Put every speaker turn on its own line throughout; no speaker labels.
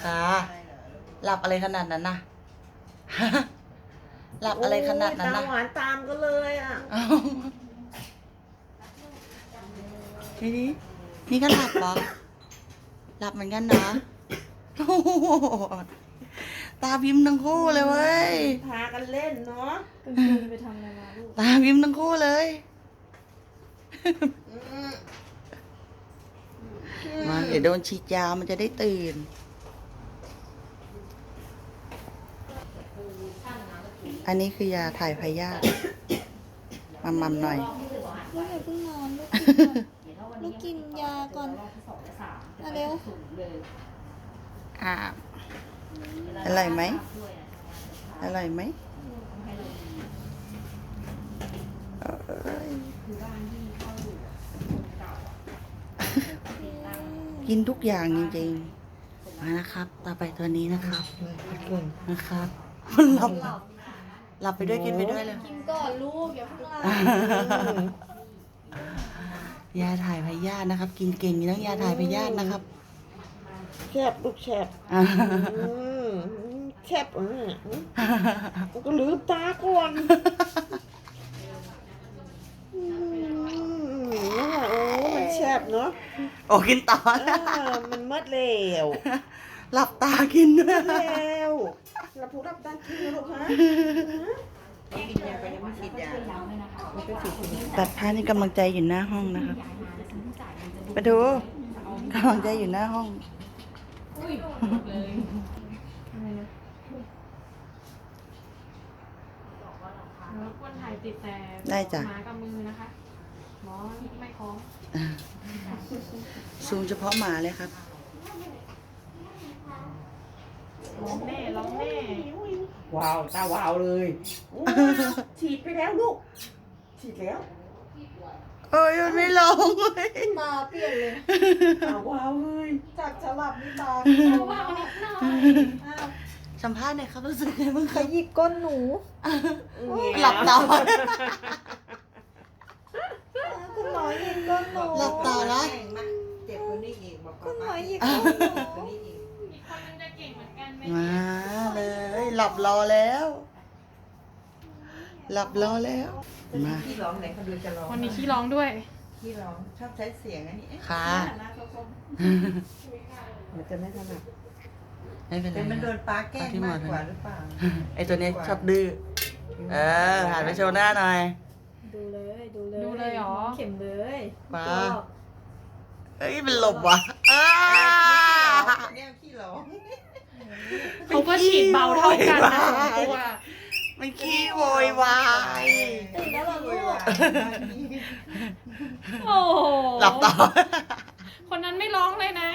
ค่ะหลับอะไรขนาดนั้นนะ หลับอะไรขนาดนั้นนะ
ตาหวานตามก็เลยอ่ะ
เอ้าทีนี้นี่ก็หลับเหรอหลับเหมือนกันนะโอ้โหตาพิมพ์ทั้งคู่เลยเว้ย
พากันเล่นเนาะ
กลางคืนไปทำอะไรมาลูก
ตาพิมพ์ทั้งคู่เลย มาเดี๋ยวโดนฉีดยามันจะได้ตื่น อันนี้คือยาถ่ายพยาธิมัมหน่อย
ลูกอย่าเพิ่งนอนลูกกินยาก่อนมาเร็ว
อ่าอร่อยไหมอร่อยไหมเอ้ยกินทุกอย่างจริงๆมานะครับ ต่อไปตัวนี้นะครับนะครับมันหลับไปด้วยกินไปด้วยเลย
กินก่อนลูกอย่าเพิ่งหลับ
ยาถ่ายพยาธินะครับ กินเก่งมีทั้งยาถ่ายพยาธินะครับ
แคบลูกแคบแคบกูก็ลืมตาก่อนโอ้มันแคบเนาะ
โอ้กินต่อ
มันมืดแล้ว
หลับตากินด้วย
แล้วเราพูดรับด้านที่ลูกฮะกินยาไปยังไม่ฉีดยา
ตัดผ้านี่กำลังใจอยู่หน้าห้องนะครับไปดูกำลังใจอยู่หน้าห้อง
รบกวนถ่ายติดแต่
ได้จ้ะ
หมากับมือนะคะหมอไม่คล้อง
ซูมเฉพาะหมาเลยครับ
ร้องแน่ร้องแน่
ว้าวตาวาวเลยฉีดไปแล้วลูกฉีดแล้ว
เอ้ยมันไม่ลงเลย
ตาเปลี่ยนเลย
ตาวาวเลยจากจะหลับนี่ตา
ว้าวนิดหน่อย
สัมภาษณ์หน่อยครับรู้สึกไงบ้างค
ข
รับ
ยิบก้นหนู
หลับตา
คุณหมอหยิบก้นหนู
หลับตานะ
เจ็บคนนี้อีกบอก
คุณหมอหยิบก้นหนู
อีกคนนึงจะเก่งเหมือนกันไหม
มาเลย หลับรอแล้ว หลับรอแล้วมา
ที่ร้องไหนเขาดูจะร้อง
วันนี้ขี้ร้องด้วย
ที่ร้องชอบใช้เสียงอันนี้
ค่ะ
มันจะไม่ถนัด
ไม่เป็นไร
แต่มันโดน
นะ
ปลาแกล้งมากกว่าหรือเปล่า
ไอตัวนี้ชอบดื้อหันไปโชว์หน้าหน่อย
ดูเลยดูเลย
ดูเลยเหรอ
เข็มเลย
มา
ก็
เฮ้ยเป็นหลบว่ะอ้า
เนี่ยขี้ร้อง
เขาก็ฉีดเบาเท่ากันนะสองตัว
มันขี้โวยวาย
ตื่นแล้วเหรอลูก
โอ้โห
หลับต่อ
คนนั้นไม่ร้องเลยนะ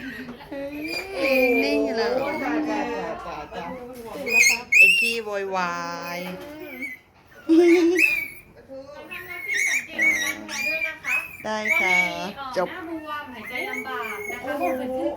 นิ่งๆแล้ว
จ้าจ้าจ้าจ้า
ตื่นแล้วครับ
ไอ้ขี้โวยวาย ได้ค่ะ จบ
หน้าบวมหายใจลำบากนะคะ